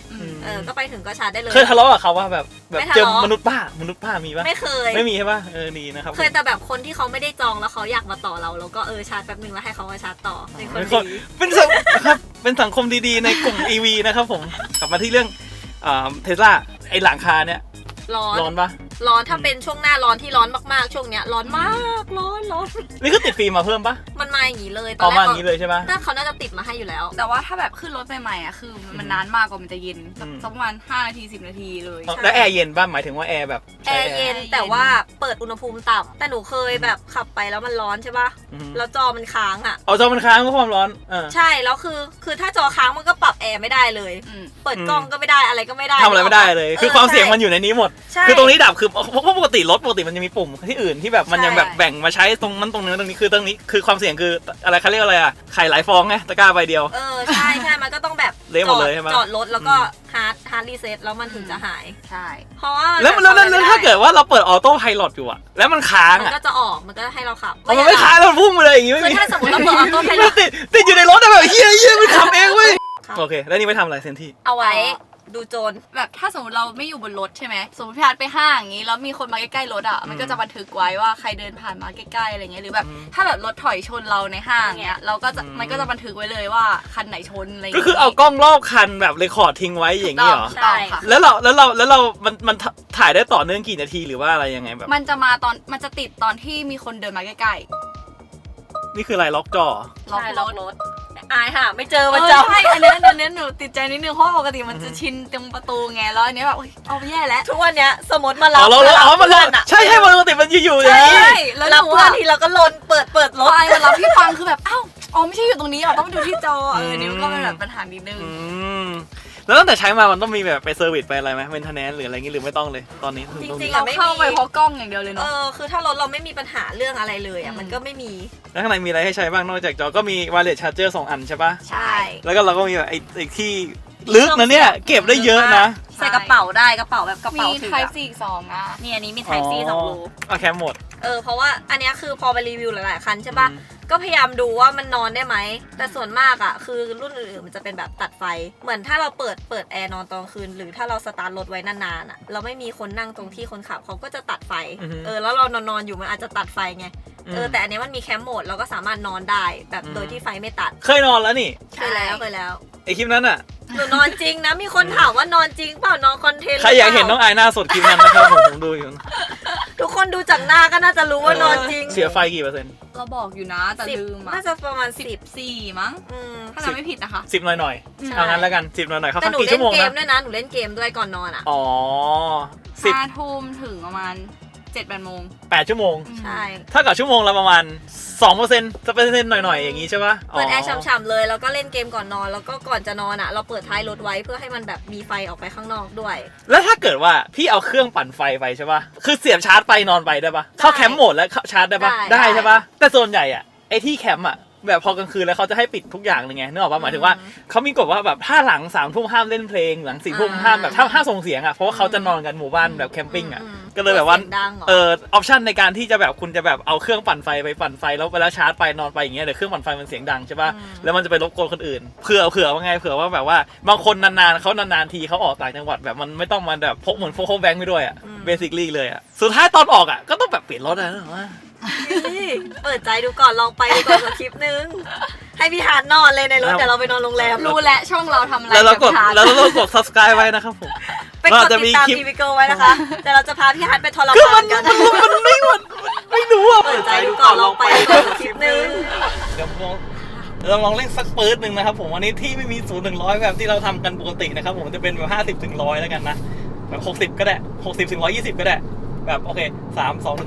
Speaker 2: เออก็ไปถึงก็ชาร์จได้เลย
Speaker 3: เคยทะเลาะกับเขาว่าแบบแบบ
Speaker 2: ไม่ทะ
Speaker 3: เจอ
Speaker 2: เลาะ
Speaker 3: มนุษย์ป้ามนุษย์ป้ามีปะ
Speaker 2: ไม่เคย
Speaker 3: ไม่มีใช่ปะเออดีนะครับ
Speaker 2: เคยแต่แบบคนที่เขาไม่ได้จองแล้วเขาอยากมาต่อเราแล้วก็เออชาร์จแป๊บนึงแล้วให้เขามาชาร์จต่อเป็นคน
Speaker 3: เป็นคน
Speaker 2: ดี
Speaker 3: เป็นสังครับเป็นสังคมดีๆในกลุ่ม อี วี นะครับผมกลับมาที่เรื่องเทสลาไอหลังคาเนี่ย
Speaker 2: ร้อน
Speaker 3: ร้อนปะ
Speaker 2: ร้อนถ้าเป็นช่วงหน้าร้อนที่ร้อนมากๆช่วงเนี้ยร้อนมากร้อนร้อน
Speaker 3: นี่คือติดฟิล์มมาเพิ่มปะ
Speaker 2: มันมาอย่างนี้เลยต
Speaker 3: อ
Speaker 2: อ
Speaker 3: อน ก
Speaker 2: แร
Speaker 3: มาก อย่างนี้เลยใช่ปะ
Speaker 2: น่าเขาน่าจะติดมาให้อยู่แล้ว
Speaker 4: แต่ว่าถ้าแบบขึ้นรถใหม่ๆอ่ะคือมันนานมากกว่ามันจะเย็นสัก
Speaker 3: อืม
Speaker 4: สักประมาณห้านาทีสิบนาทีเลย
Speaker 2: ใช่
Speaker 3: แล้วแอร์เย็นป่ะหมายถึงว่าแอร์แบบ
Speaker 2: แอ
Speaker 3: ใช้
Speaker 2: ร์เย็นแต่ว่าเปิดอุณหภูมิต่ำแต่หนูเคยแบบขับไปแล้วมันร้อนใช่ปะ
Speaker 3: อืม
Speaker 2: แล้วจอมันค้างอ่ะ
Speaker 3: เอาจอมันค้างก็ความร้อนเออ
Speaker 2: ใช่แล้วคือคือถ้าจอค้างมันก็ปรับแอร์ไม่ได้เลย
Speaker 4: อืม
Speaker 2: เปิดกล้องก็ไม่ได้อะไรก็ไม่ได้
Speaker 3: ทำอะไรไม่ได้เลย คือความเสี่ยงมัน
Speaker 2: อ
Speaker 3: อยู่ในนี้หมด
Speaker 2: ใช่
Speaker 3: คือตรงนี้ดับคือเพราะปกติรถปกติมันจะมีปุ่มที่อื่นที่แบบมัน
Speaker 2: ใช่
Speaker 3: ยังแบบแบ่งมาใช้ตรงนั้นตรงนี้ตรงนี้คือตรงนี้คือความเสี่ยงคืออะไรเขาเรียกอะไรอ่ะไข่หลายฟองไงตะกร้าใบเดียว
Speaker 2: เออใช่ใช่มันก็ต้องแบบ
Speaker 3: เละหมดเลยใช่ไหม
Speaker 2: จอดรถแล้วก็
Speaker 3: อืม
Speaker 2: ฮาร์ดฮาร์ดรีเซ็ตแล้วมันถึงจะหาย
Speaker 4: ใช่
Speaker 2: เพราะว่า
Speaker 3: แล้วแล้วแล้วแล้วถ้าเกิดว่าเราเปิดออโต้ไพลอตอยู่อะแล้วมันค้าง
Speaker 2: มัน
Speaker 3: อะ
Speaker 2: ก็จะออกมันก็ให้เราขับ
Speaker 3: เอามันไม่ค้างแล้วมันพุ่งมาเลยอย่างงี้ไม่
Speaker 2: คือ
Speaker 3: มี
Speaker 2: ถ้าสมมติเราเปิดออโต้ไพล
Speaker 3: มั
Speaker 2: อน ต
Speaker 3: ติดติดอยู่ในรถอะแบบเฮียเฮียมันขับเองเว้ยโอเคแล้วนี่ไปทำอะไรเซนที่
Speaker 2: เอาไว้ดูโจร
Speaker 4: แบบถ้าสมมติเราไม่อยู่บนรถใช่ไหมสมมติพี่อาร์ตไปห้างอย่างงี้แล้วมีคนมาใกล้ๆรถอ่ะมันก็จะบันทึกไว้ว่าใครเดินผ่านมาใกล้ๆอะไรเงี้ยหรือแบบถ้าแบบรถถอยชนเราในห้างเงี้ยเราก็จะมันก็จะบันทึกไว้เลยว่าคันไหนชนอะไร
Speaker 3: ก็คือเอากล้องรอบคันแบบเรคคอร์ดทิ้งไว้อย่างนี้เหรอ
Speaker 4: ถูกต้องค่ะ
Speaker 3: แล้วเราแล้วเราแล้วเรา มันมันถ่ายได้ต่อเนื่องกี่นาทีหรือว่าอะไรยังไงแบบ
Speaker 4: มันจะมาตอนมันจะติดตอนที่มีคนเดินมาใกล้
Speaker 3: นี่คืออะไรล็อกจอ
Speaker 4: ๆล็อก
Speaker 2: ใช่
Speaker 4: ร
Speaker 2: ล็อก
Speaker 4: ถ
Speaker 2: รถอายค่ะไม่เจอ
Speaker 4: เอ
Speaker 2: มัน
Speaker 4: อ
Speaker 2: จะ
Speaker 4: ใช่อันเนี้ยอันเนี้ยหนูติดใจนิดนึงเพราะปกติมันจะชินตรงประตูไงแล้วอันเนี้ยแบบอุ๊ยเอาแย่แล้ว
Speaker 2: ทุกวันเนี้ยสมมติมารั
Speaker 3: อ๋
Speaker 2: บ
Speaker 3: อเราเราอ๋อมัน
Speaker 2: เพื่
Speaker 3: เรา
Speaker 2: อนอะ
Speaker 3: ใช่ใช่ปกติมันอยู่ๆอย่างนี้
Speaker 2: ใช่
Speaker 4: แล้ว
Speaker 2: รับ
Speaker 4: หนู
Speaker 2: เพื่อน
Speaker 4: อะ
Speaker 2: ทีเราก็ลนเปิดเปิดร
Speaker 4: ร
Speaker 2: ถ
Speaker 4: ถไอเวลาพี่ฟังคือแบบอ้าวอ๋อไม่ใช่อยู่ตรงนี้อ่ะต้องไปดูที่จอเออนี่มันก็เป็นแบบปัญหานิดนึง
Speaker 3: อืมแล้วตั้งแต่ใช้มามันต้องมีแบบไปเซอร์วิสไปอะไรไหมเมนเทนแนนซ์หรืออะไรงี้หรือไม่ต้องเลยตอนนี้
Speaker 2: จริงๆ
Speaker 4: เรา
Speaker 2: อะไม่
Speaker 4: เข้าไป
Speaker 2: มี
Speaker 4: เพราะกล้องอย่างเดียวเลย
Speaker 2: เอ
Speaker 4: เนาะ
Speaker 2: อคือถ้ารถเราไม่มีปัญหาเรื่องอะไรเลยอ่ะ
Speaker 4: อืม
Speaker 2: มันก็ไม่มี
Speaker 3: แล้วข้างในมีอะไรให้ใช้บ้างนอกจากจอก็มี wireless charger สองอันใช่ปะ
Speaker 2: ใช่
Speaker 3: แล้วก็เราก็มีแบบไอ้ไอ้ที่ลึกนะเนี่ยเก็บได้เยอะนะ
Speaker 2: ใส่กระเป๋าได้กระเป๋าแบบกระ
Speaker 4: มี
Speaker 2: เป๋าถือ
Speaker 4: ไท
Speaker 2: อะ
Speaker 4: ป์สี่สองอ่ะ
Speaker 2: นี่อันนี้มี Type C สองรู
Speaker 3: เอาแคมหมด
Speaker 2: เออเพราะว่าอันเนี้ยคือพอไปรีวิวหลายๆคันใช่ปะ
Speaker 3: อืม
Speaker 2: ก็พยายามดูว่ามันนอนได้ไหมแต่ส่วนมากอ่ะคือรุ่นอื่นๆมันจะเป็นแบบตัดไฟ เหมือนถ้าเราเปิดเปิดแอร์นอนตอนคืน หรือถ้าเราสตาร์ทรถไว้นานๆอ่ะเราไม่มีคนนั่งตรงที่คนขับเขาก็จะตัดไฟ
Speaker 3: อือฮึ
Speaker 2: เออแล้วเรานอนๆอยู่มันอาจจะตัดไฟไง
Speaker 3: อืม
Speaker 2: เออแต่อันเนี้ยมันมีแคมป์โหมดเราก็สามารถนอนได้แบบ
Speaker 3: อืม
Speaker 2: โดยที่ไฟไม่ตัด
Speaker 3: เคยนอนแล้วนี่
Speaker 2: เคยแล้วเคยแล้ว
Speaker 3: ไอคลิปนั้นอ่ะ
Speaker 2: หนูนอนจริงนะมีคนถามว่านอนจริงเปล่านอนคอนเทนต์
Speaker 3: ใครอยากเห็นน้องไอายหน้าสดคลิปนั้นนะครับผมผมดูอยู่
Speaker 2: ทุกคนดูจากหน้าก็น่าจะรู้ว่านอนจริง
Speaker 3: เสียไฟกี่เปอร์เซ็นต์
Speaker 4: เราบอกอยู่นะแต่
Speaker 2: สิบ
Speaker 4: ลืมอ่ะ
Speaker 2: น่าจะประมาณสิบ
Speaker 4: สี่มั้ง
Speaker 2: อืม
Speaker 4: ถ้าจำไม่ผิดนะคะ
Speaker 3: สิบหน่อยหน่อยๆ
Speaker 2: ใช่
Speaker 3: เอางั้นแล้วกันสิบหน่อยหน่อยๆเขา
Speaker 2: แต่
Speaker 3: สัก
Speaker 2: หนู
Speaker 3: กี่
Speaker 2: เล่
Speaker 3: ชั่
Speaker 2: น
Speaker 3: วโมง
Speaker 2: เกม
Speaker 3: นะ
Speaker 2: ด้วยนะหนูเล่นเกมด้วยก่อนนอนอ่ะ
Speaker 3: อ๋อสิบ
Speaker 4: ห้าทุ่มถึงประมาณเจ็ดแปดโมง
Speaker 3: แปดชั่วโมง
Speaker 2: ใช่
Speaker 3: ถ้ากับชั่วโมงละประมาณสองเปอร์เซ็นต์จะเป็นเซ็นต์หน่อยๆอย่างงี้ใช่ปะ
Speaker 2: เปิดแอร์ฉ่ำๆเลยแล้วก็เล่นเกมก่อนนอนแล้วก็ก่อนจะนอนอ่ะ เราเปิดท้ายรถไว้เพื่อให้มันแบบมีไฟออกไปข้างนอกด้วย
Speaker 3: แล้วถ้าเกิดว่าพี่เอาเครื่องปั่นไฟไปใช่ปะคือเสียบชาร์จไปนอนไปได้ปะเข้าแคมป์โหมดแล้วเข้าชาร์จได้ปะ
Speaker 2: ได้
Speaker 3: ได้ใช่ปะแต่ส่วนใหญ่อะไอที่แคมป์อะแบบพอกลางคืนแล้วเขาจะให้ปิดทุกอย่างเลยไงนึกออกปะหมายถึงว่าเขามีกฎว่าแบบถ้าหลังสามทุ่มห้ามเล่นเพลงหลังสี่ทุ่มห้ามแบบถ้าห้ามส่งเสียงอะเพราะว่าเขาจะนอนกันหมู่บ้านแบบแคมปิ้งอะ
Speaker 2: อืม
Speaker 3: ก็เลยแบบว่า
Speaker 2: สีงดังหรอ
Speaker 3: เออออปชันในการที่จะแบบคุณจะแบบเอาเครื่องปั่นไฟไปปั่นไฟแล้วไปแล้วชาร์จไปนอนไปอย่างเงี้ยเดี๋ยวเครื่องปั่นไฟมันเสียงดังใช่ป่ะแล้วมันจะไปรบกวนคนอื่นเผื่อเผื่อว่าไงเผื่อว่าแบบว่าบางคนนานๆเขานานๆทีเขาออกต่างจังหวัดแบบมันไม่ต้องมาแบบพกเหมือนพกแบงค์ไปด้วยอ่ะเบสิคลี่เลยอ่ะสุดท้ายตอนออกอ่ะก็ต้องแบบเปลี่ยนรถนะว่า
Speaker 2: นี่เปิดใจดูก่อนลองไปดูก่อนสักคลิปนึงให้พี่ฮาร์ดนอนเลยในรถเดี๋ยวเราไปนอนโรงแรม
Speaker 4: รู้และช่องเราทำอะไร
Speaker 3: แล้วเรากด
Speaker 4: บชาร์จ
Speaker 3: แล้วเรากด subscribe ไว้นะครับผม
Speaker 2: ไปกดติดตามทีวีเกิลไว้นะคะแต่เราจะพาพี่ฮาร์ดไปทร
Speaker 3: คือ
Speaker 2: มา
Speaker 3: มัน น
Speaker 2: กัน
Speaker 3: มันมันไม่มันไม่รู้อ่ะ
Speaker 2: เปิดใจดูก่อนลองไปดูก่อนสักคลิปนึง
Speaker 3: เดี๋ยวลองเราลองเล่นสักปื๊ดหนึ่งนะครับผมวันนี้ที่ไม่มีศูนย์ถึงร้อยแบบที่เราทำกันปกตินะครับผมจะเป็นแบบห้าสิบถึงร้อยแล้วกันนะแบบหกสิบก็ได้หกสิบถึงร้อยยี่สิบก็ได้แบบโอเคสามสอง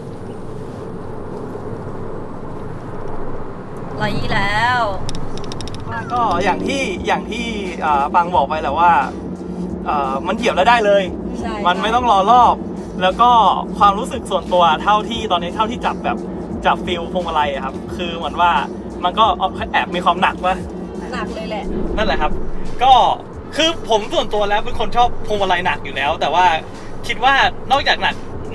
Speaker 2: ร้อยยี่แล้ว
Speaker 3: ก็อย่างที่อย่างที่อ่าฟังบอกไปแหละว่าอ่ามันเหยียบแล้วได้เลย
Speaker 2: ใช่
Speaker 3: มันไม่ต้องรอรอบ แล้วก็ความรู้สึกส่วนตัวเท่าที่ตอนนี้เท่าที่จับแบบจับฟิลพวงมาลัยอะครับคือเหมือนว่ามันก็แอบมีความหนักว่ะ
Speaker 2: หนักเลยแหละ
Speaker 3: นั่นแหละครับ ก็คือผมส่วนตัวแล้วเป็นคนชอบพวงมาลัยหนักอยู่แล้ว แต่ว่าคิดว่านอกจากหนัก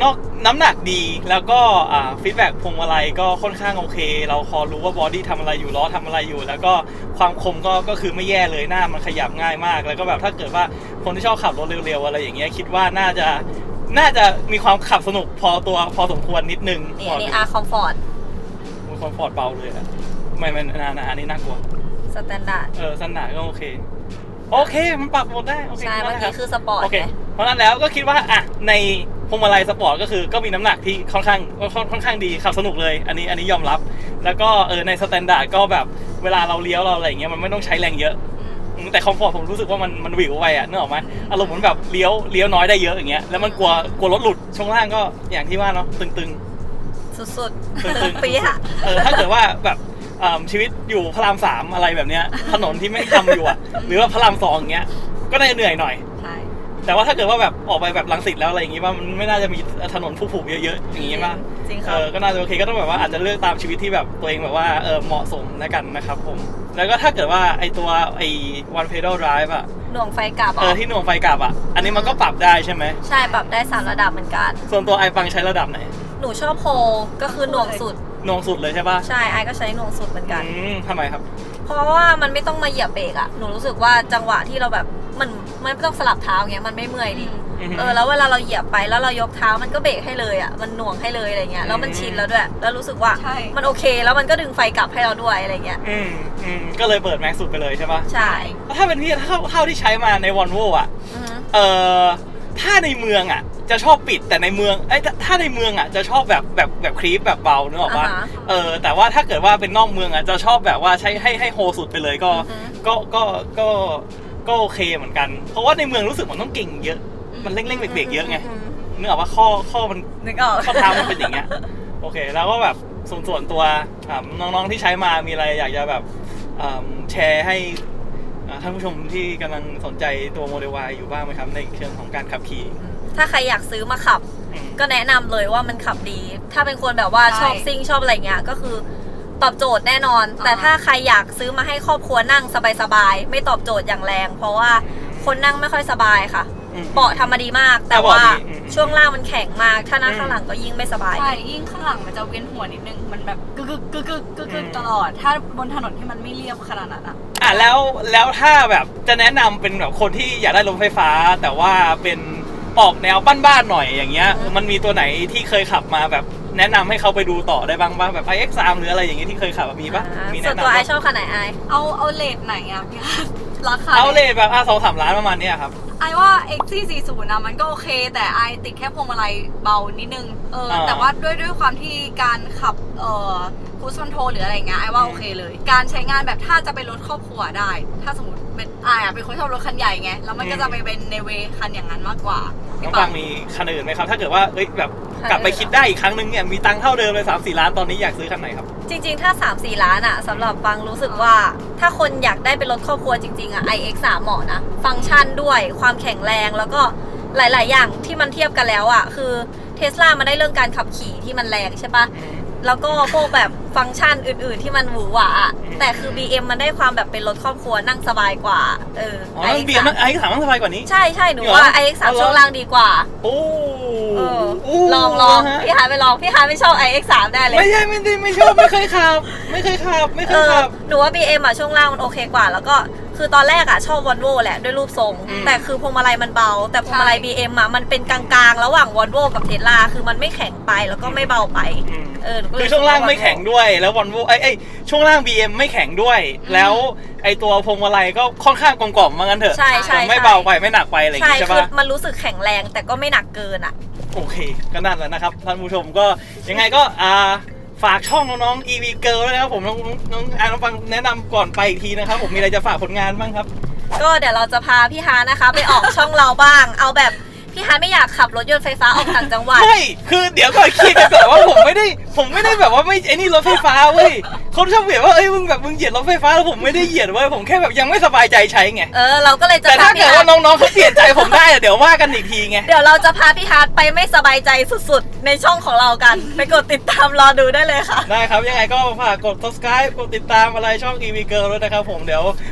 Speaker 3: นอกน้ำหนักดีแล้วก็อ่าฟีดแบ็กพวงมาลัยก็ค่อนข้างโอเคเราพอรู้ว่าบอดี้ทำอะไรอยู่ล้อทำอะไรอยู่แล้วก็ความคมก็ก็คือไม่แย่เลยหน้ามันขยับง่ายมากแล้วก็แบบถ้าเกิดว่าคนที่ชอบขับรถเร็วๆอะไรอย่างเงี้ยคิดว่าน่าจะน่าจะมีความขับสนุกพอตัวพอสมควรนิดนึง
Speaker 2: นี่อันนี้อาร์คอมฟอร์ต
Speaker 3: มันคอมฟอร์ตเบาเลยอะไม่ไม่นานาอันนี้น่ากลัว
Speaker 2: สแตนดาร์ด
Speaker 3: เออสนานก็โอเคโอเคมันปรับหมดได้โอเค
Speaker 2: ใช่เมื่อ
Speaker 3: ได้
Speaker 2: กี้
Speaker 3: รับ
Speaker 2: คือสปอร์ต
Speaker 3: โอเค
Speaker 2: ไง
Speaker 3: เพราะนั้นแล้วก็คิดว่าอ่ะในพวงมาลัยสปอร์ตก็คือก็มีน้ำหนักที่ค่อนข้างค่อนค่อนข้างดีขับสนุกเลยอันนี้อันนี้ยอมรับแล้วก็เออในสแตนดาร์ดก็แบบเวลาเราเลี้ยวเราอะไรอย่างเงี้ยมันไม่ต้องใช้แรงเยอะอืมแต่คอมฟอร์ตผมรู้สึกว่ามันมันหวิวไปอ่ะนึกออกไหมอารมณ์เหมือนแบบเลี้ยวเลี้ยวน้อยได้เยอะอย่างเงี้ยแล้วมันกลัวกลัวรถหลุดช่วงล่างก็อย่างที่ว่าเนาะตึงๆ
Speaker 2: สุด
Speaker 3: ตึง
Speaker 2: ๆ
Speaker 3: ๆ
Speaker 2: ตึงปี๊ะ
Speaker 3: เออถ้าเกิดว่าแบบเอิ่มชีวิตอยู่พระรามสามอะไรแบบเนี้ยถนนที่ไม่ทำอยู่อ่ะหรือว่าพระรามสองอย่างเงี้ยก็น่าจะเหนื่อยหน่อย
Speaker 2: ใช่
Speaker 3: แต่ว่าถ้าเกิดว่าแบบออกไปแบบรังสิตแล้วอะไรอย่างงี้ว่ามันไม่น่าจะมีถนนผุๆเยอะๆอย่างงี้ป่ะ
Speaker 2: จริงค
Speaker 3: เอ
Speaker 2: รับ
Speaker 3: อก็น่าจะโอเคก็ต้องแบบว่าอาจจะเลือกตามชีวิตที่แบบตัวเองแบบว่าเออเหมาะสมแล้วกันนะครับผมแล้วก็ถ้าเกิดว่าไอตัวไอ one pedal drive อ่ะ
Speaker 2: หน่วงไฟกลับ
Speaker 3: เออที่หน่วงไฟกลับอ่ะอันนี้มันก็ปรับได้ใช่ไหม
Speaker 2: ใช่ปรับได้สามระดับเหมือนกัน
Speaker 3: ส่วนตัวไอฟังใช้ระดับไหน
Speaker 2: หนูชอบโฮก็คือหน่วงสุด
Speaker 3: หน่วงสุดเลยใช่ป่ะ
Speaker 2: ใช่ไอก็ใช้หน่วงสุดเหมือนกัน
Speaker 3: อืมทำไมครับ
Speaker 2: เพราะว่ามันไม่ต้องมาเหยียบเบรกอะหนูรู้สึกว่าจังหวะที่เราแบบมันมันไม่ต้องสลับเท้าเงี้ยมันไม่เมื่อยดิ
Speaker 3: อือฮึ
Speaker 2: เออแล้วเวลาเราเหยียบไปแล้วเรายกเท้ามันก็เบรกให้เลยอะมันหน่วงให้เลยอะไรเงี้ยแล้วมันชินแล้วด้วยแล้วรู้สึกว่า
Speaker 4: ใช่
Speaker 2: มันโอเคแล้วมันก็ดึงไฟกลับให้เราด้วยอะไรเงี้ย
Speaker 3: อืมอืมก็เลยเปิดแม็กซ์สุดไปเลยใช่ป่ะ
Speaker 2: ใช่
Speaker 3: ถ้าเป็นพี่เท่าเท่าที่ใช้มาในวอลโว่อ่ะ
Speaker 2: อือฮึ
Speaker 3: เอ่อถ้าในเมืองอ่ะจะชอบปิดแต่ในเมืองไอ้ยถ้าถ้าในเมืองอ่ะจะชอบแบบแบบแบบครีปแบบเบาเนกอะป่ะ
Speaker 2: อ่าฮะ
Speaker 3: เออแต่ว่าถ้าเกิดว่าเป็นนอกเมืองอ่ะจะชอบแบบว่าใช้ให้ให้โฮสุดไปเลยก็
Speaker 2: อือฮึ
Speaker 3: ก็ก็ก็ก็โอเคเหมือนกัน เพราะว่าในเมืองรู้สึกมันต้องเก่งเยอะ มันเร่งเร่งเบรกๆเยอะไงนึกออกว่าข้อข้อมัน
Speaker 2: นึกออก
Speaker 3: ข้อเท้ามันเป็นอย่างเงี้ยโอเคแล้วก็แบบส่วนส่วนตัวอ่าน้องๆที่ใช้มามีอะไรอยากจะแบบอ่าแชร์ให้อ่าท่านผู้ชมที่กำลังสนใจตัวโมเดล Y อยู่บ้างไหมครับในเชิงของการขับขี่
Speaker 2: ถ้าใครอยากซื้อมาขับ
Speaker 3: อืม
Speaker 2: ก็แนะนำเลยว่ามันขับดี ถ้าเป็นคนแบบว่า
Speaker 4: ใช่
Speaker 2: ชอบซิ่งชอบอะไรเงี้ยก็คือตอบโจทย์แน่นอน
Speaker 4: อ่า
Speaker 2: แต่ถ้าใครอยากซื้อมาให้ครอบครัวนั่งสบายๆไม่ตอบโจทย์อย่างแรง เพราะว่าคนนั่งไม่ค่อยสบายค่ะ
Speaker 3: อืม
Speaker 2: เบาะทำมาดีมาก แต่
Speaker 3: เบาะ
Speaker 2: ว่า
Speaker 3: ดีอืม
Speaker 2: ช่วงล่างมันแข็งมาก ถ้านั่ง
Speaker 3: อืม
Speaker 2: ข้างหลังก็ยิ่งไม่สบาย
Speaker 4: ใช่ยิ่งข้างหลังมันจะเวียนหัวนิดนึงมันแบบกึกกึกกึกกึกกึกกึกตลอด ถ้าบนถนนที่มันไม่เรียบขนาดนั้นอะ
Speaker 3: อ่ะแล้วแล้วถ้าแบบจะแนะนำเป็นแบบคนที่อยากได้รถไฟฟ้า แต่ว่าเป็นออกแนวบ้านๆหน่อยอย่างเงี้ยมันมีตัวไหนที่เคยขับมาแบบแนะนำให้เขาไปดูต่อได้บ้างบ้างแบบ ไอ เอ็กซ์ สาม หรืออะไรอย่างเงี้ยที่เคยขับมีปะ
Speaker 2: อ่า
Speaker 3: มี
Speaker 2: ส่ว
Speaker 3: แนะ
Speaker 2: นตัวไอ
Speaker 3: นำ
Speaker 2: ชอบคันไหนไอ
Speaker 4: เอาเอาเลทไหนอะพี่คะราคา
Speaker 3: เอาเลยแบบอ่ะสองสามล้านประมาณเนี้ยครับ
Speaker 4: ไอว่า เอ็กซ์ ซี สี่สิบ นะมันก็โอเค แต่ไอติดแค่พวงมาลัยเบานิดนึงเออ
Speaker 3: อ่า
Speaker 4: แต่ว่าด้วยด้วยความที่การขับเอ่อคูสคอนโทรลหรืออะไรเงี้ยไอว่าโอเคเลย การใช้งานแบบถ้าจะไปรถครอบครัวได้ ถ้าสมมติเป็นไออะเป็นคนชอบรถคันใหญ่ไงแล้วมันก็จะไปเป็นในเวคันอย่างนั้นมากกว่า
Speaker 3: น้
Speaker 4: พี่
Speaker 3: อง
Speaker 4: ปั
Speaker 3: ฟั
Speaker 4: ง
Speaker 3: งมีคันอื่นไหมครับ ถ้าเกิดว่าเอ้ยแบบกลับไปคิดได้อีกครั้งนึงเนี่ยมีตังค์เท่าเดิมเลยสามสี่ล้านตอนนี้อยากซื้อคันไหนครับ
Speaker 2: จริงๆ ถ้า สามสี่ ล้านอะสำหรับฟังรู้สึกว่า ถ้าคนอยากได้เป็นรถครอบครัวจริงๆอะ ไอ เอ็กซ์ สาม เหมาะนะ ฟังก์ชันด้วยความแข็งแรงแล้วก็หลายๆ อย่างที่มันเทียบกันแล้วอะคือเทสลามันได้เรื่องการขับขี่ที่มันแรงใช่ปะแล้วก็พวกแบบฟังก์ชันอื่นๆ ที่มันหวือหวาอะแต่คือ บี เอ็ม มันได้ความแบบเป็นรถครอบครัวนั่งสบายกว่าเออ
Speaker 3: อ๋อ
Speaker 2: ไอ
Speaker 3: เบียร์มันไอ้ถามมันสบายกว่านี้
Speaker 2: ใช่ใช่หนู
Speaker 3: เหรอ
Speaker 2: ว่า ไอ เอ็กซ์ สาม
Speaker 3: เอาเหรอ
Speaker 2: ช่วงล่างดีกว่า
Speaker 3: โอ้
Speaker 2: เออ
Speaker 3: โอ้
Speaker 2: ลองลอง
Speaker 3: ฮะ
Speaker 2: พี่ฮาร์ดไปลองพี่ฮาร์ดไม่ชอบ ไอ เอ็กซ์ สาม ได้เลย
Speaker 3: ไม่ใช่ไม่ได้ไม่ชอบไม่เคยขับ ไม่เคยขับไม่เค
Speaker 2: เอย อ
Speaker 3: ขับ
Speaker 2: หนูว่า บี เอ็ม อ่ะช่วงล่างมันโอเคกว่า แล้วก็คือตอนแรกอ่ะชอบวอลโว่แหละด้วยรูปทรง
Speaker 3: อืม
Speaker 2: แต่คือพวงมาลัยมันเบา แต่พวงมาลัย
Speaker 4: ใช่
Speaker 2: บี เอ็ม อ่ะมันเป็นกลางๆ ระหว่างวอลโว่กับเทสลาคือมันไม่แข็งไปแล้วก็ไม่เบาไป
Speaker 3: อืม
Speaker 2: เออหนูก็เย
Speaker 3: คือช่วงล่างไม่แข็งด้วยแล้ววอลโวไอ้ไอ้ช่วงล่าง บี เอ็ม ไม่แข็งด้วย แล้วไอ้ตัวพวงมาลัยก็ค่อนข้างกลมๆมางั้นเถอะ
Speaker 2: ใช่ใช่
Speaker 3: ไม่เบาไปไม่หนักไปอะไรอย่าง
Speaker 2: ใช่
Speaker 3: งี้ใช่
Speaker 2: คือ
Speaker 3: ปะ
Speaker 2: มันรู้สึกแข็งแรงแต่ก็ไม่หนักเกินอ่ะ
Speaker 3: โอเคก็นั่นแหละนะครับท่านผู้ชมก็ยังไงก็อ่าฝากช่องน้องๆ อี วี Girl ด้วยนะครับผมน้องน้องอ่านฟังแนะนำก่อนไปอีกทีนะครับผมมีอะไรจะฝากผลงานบ้างครับ
Speaker 2: ก็เดี๋ยวเราจะพาพี่ฮาร์ดนะคะ ไปออกช่องเราบ้าง เอาแบบพี่ฮาร์ดไม่อยากขับรถยนต์ไฟฟ้าออกต่างจังหวัด
Speaker 3: ไม่คือเดี๋ยวก่อนเคลียร์กันก่อนว่าผมไม่ได้ผมไม่ได้แบบว่าไม่ไอ้นี่รถไฟฟ้าเว้ยคนชอบเบียดว่าเอ้ยมึงแบบมึงเหยียดรถไฟฟ้าแล้วผมไม่ได้เหยียดเว้ยผมแค่แบบยังไม่สบายใจใช้ไง
Speaker 2: เออเราก็เลยจะ
Speaker 3: แต่
Speaker 2: พา
Speaker 3: ถ้า
Speaker 2: พี่
Speaker 3: เกิด
Speaker 2: ฮาร์
Speaker 3: ว่า
Speaker 2: ด
Speaker 3: น้องๆเขาเปลี่ยนใจผมได้อะเดี๋ยวว่ากันอีกทีไง
Speaker 2: เดี๋ยวเราจะพาพี่ฮาร์ดไปไม่สบายใจสุดๆ ในช่องของเรากัน ไปกดติดตามรอดูได้เลยค่ะ
Speaker 3: ได้ครับยังไงก็ฝากกด subscribe กดติดตามอะไรช่อง อี วี Girl ด้วยนะครับผมเดี๋ยว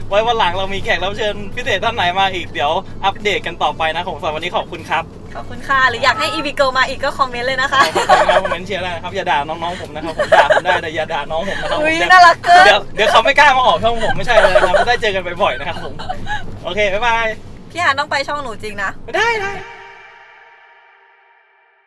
Speaker 3: ไว้วันหลังเรามีแขกรับเชิญพิเศษท่านไหนมาอีกเดี๋ยวอัปเดตกันต่อไปนะผมสำหรับวันนี้ขอบคุณครับ
Speaker 2: ขอบคุณค่ะหรืออยากให้ อี วี Girl มาอีกก็คอมเมนต์เลยนะคะ
Speaker 3: ขอบคุณครับคอมเมนต์เชียร์ได้นะครับอย่าด่าน้องๆผมนะครับผมด่าผมได้แต่อย่าด่าน้องผมนะครับ
Speaker 2: อุ๊ย
Speaker 3: ผม
Speaker 2: น่ารักเกิน
Speaker 3: เดี๋ยวเดี๋ยวเขาไม่กล้ามาออกช่องผมไม่ใช่เลยนะครับได้เจอกันบ่อยๆนะครับผมโอเคบ๊ายบาย
Speaker 2: พี่หานต้องไปช่องหนูจริงนะ
Speaker 3: ได้ได้